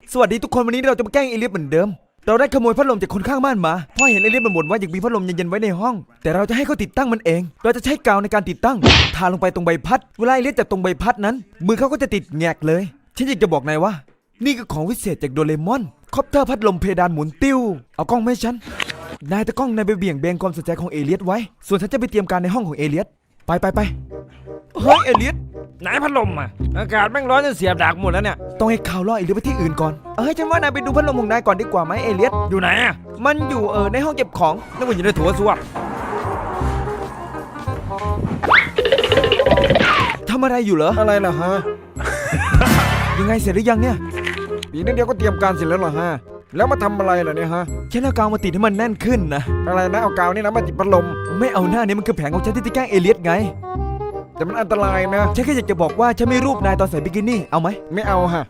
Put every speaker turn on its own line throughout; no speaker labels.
สวัสดีทุกคนวันนี้เราจะมาแกล้งเอเลียสเหมือนเดิมเราได้ขโมยพัดลมจากคนข้างบ้านมาพ่อเห็นเอเลียสบ่นว่าอยากมีพัดลมเย็นๆไว้ในห้องแต่เราจะให้เขาติดตั้งมันเองเราจะใช้กาวในการติดตั้งทาลงไปตรงใบพัดเวลาเอเลียสจับตรงใบพัดนั้นมือเขาก็จะติดแงกเลยฉันอยากจะบอกนายว่านี่ก็ของวิเศษจากโดเรมอนคอปเตอร์พัดลมเพดานหมุนติ้วเอากล้องมาให้ฉันนายตะกล้องนายไปเบี่ยงเบนความสนใจของเอเลียสไว้ส่วนฉันจะไปเตรียมการในห้องของเอเลียสไปเฮ้ยเอเลียส
ไหนพัดลมอ่ะอากาศแม่งร้อนจนเสียบดักหมดแล้วเนี่ย
ต้องให้ข่าวล่อเอเลียสไปที่อื่นก่อนฉันว่านายไปดูพัดลมของนายก่อนดีกว่าไหมเอเลียส
อยู่ไหนอ่ะ
มันอยู่ในห้องเก็บของ
นึกว่าอยู่ในถั่วซ่วม
ทำอะไรอยู่เหรอ
อะไรล่ะฮะ
ยังไงเสร็จหรือยังเนี่ย
อีกนิดเดียวก็เตรียมการเสร็จแล้วเหรอฮะแล้วมาทำอะไรล่ะเนี่ยฮะ
ฉันเอากาวมาติดให้มันแน่นขึ้นนะ
อะไรนะเอากาวนี่นะมาติดพัดลม
ไม่เอาหน้านี่มันคือแผนของฉันที่จะแกล้งเอเลียสไง
แต่มันอันตรายนะ
ฉันแค่อยากจะบอกว่าฉันไม่รูปนายตอนใส่บิกินี่เอาไหม
ไม่เอาฮะ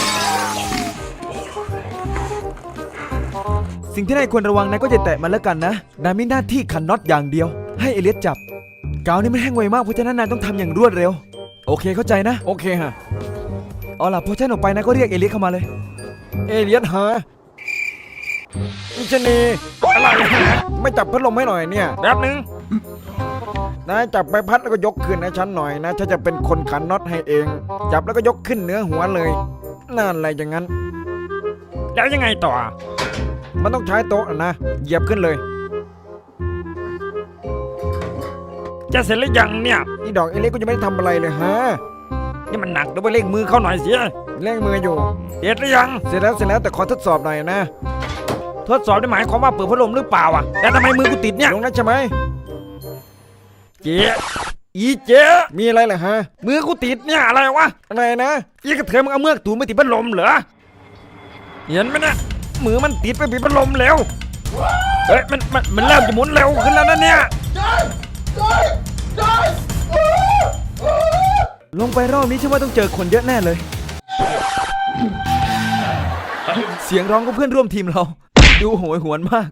สิ่งที่นายควรระวังนายก็จะแตะมันแล้วกันนะนายมีหน้าที่ขันน็อตอย่างเดียวให้เอเลียสจับกาวนี่มันแห้งไวมากเพราะฉะนั้นนายต้องทำอย่างรวดเร็วโอเคเข้าใจนะ
โอเคฮะ
เอาล่ะพอฉันออกไปนายก็เรียกเอเลียสเข้ามาเลย
เอเลียสฮะอิชนีอะไรฮะไม่จับพัดลมให้หน่อยเนี่ยแป๊บนึงนายจับใบพัดแล้วก็ยกขึ้นให้ฉันหน่อยนะฉันจะเป็นคนขันน็อตให้เองจับแล้วก็ยกขึ้นเหนือหัวเลยนั่นอะไรอย่างนั้นแล้วยังไงต่อมันต้องใช้โต๊ะนะเหยียบขึ้นเลยจะเสร็จหรือยังเนี่ยนี่ดอกเอเล็กก็ยังไม่ได้ทำอะไรเลยฮะนี่มันหนักเดี๋ยวไปเร่งมือเข้าหน่อยสิเร่งมืออยู่เสร็จหรือยังเสร็จแล้วแต่ขอทดสอบหน่อยนะทดสอบได้หมายความว่าเปิดพัดลมหรือเปล่าอ่ะแต่ทำไมมือกูติดเนี่ยลงนั้นใช่ไหมเจ๊เจ๊มีอะไรเหรอฮะมือกูติดเนี่ยอะไรวะอะไรนะอีกระเทยมึงเอาเมือกถูไม่ติดพัดลมเหรอเห็นไหมนะมือมันติดไปปิดพัดลมแล้วเฮ้ยมันเริ่มจะหมุนเร็วขึ้นแล้วนะเนี่ย
ลงไปรอบนี้ฉันว่าต้องเจอคนเยอะแน่เลยเสียงร้องของเพื่อนร่วมทีมเราดูโหยหวนมาก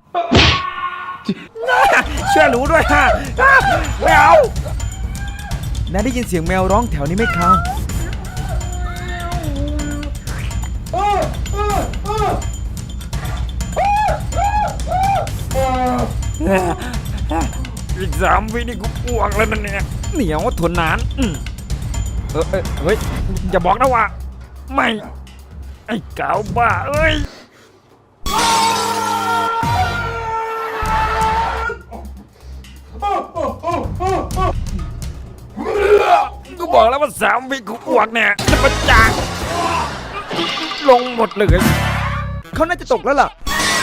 ช่วยหนูด้วยฮะไม่เอา
นายได้ยินเสียงแมวร้องแถวนี้ไหมครับ
อีก3 วินี่กูอ้วกแล้วนั่นเนี่ยเหนียวทนนานเฮ้ยอย่าบอกนะว่าไม่ไอ้เก่าบ้าเอ้ยกูบอกแล้วว่า3 วิกูอ้วกเนี่ยจะประจางลงหมดเลย
เขาน่าจะตกแล้วล่ะ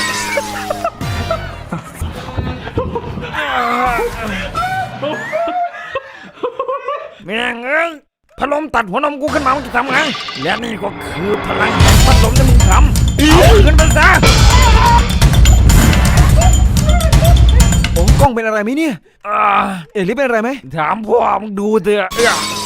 แม่งเอ้ยพัดลมตัดหัวนมกูขึ้นมามึงจะทำไงและนี่ก็คือพลังแห่งพัดลมที่มึงทำเอาขึ้นไปซะ
โอ้กล้องเป็นอะไรไหมเนี่ยเอลิเป็นอะไรไหม
ถามพ่อมึงดูเถอะ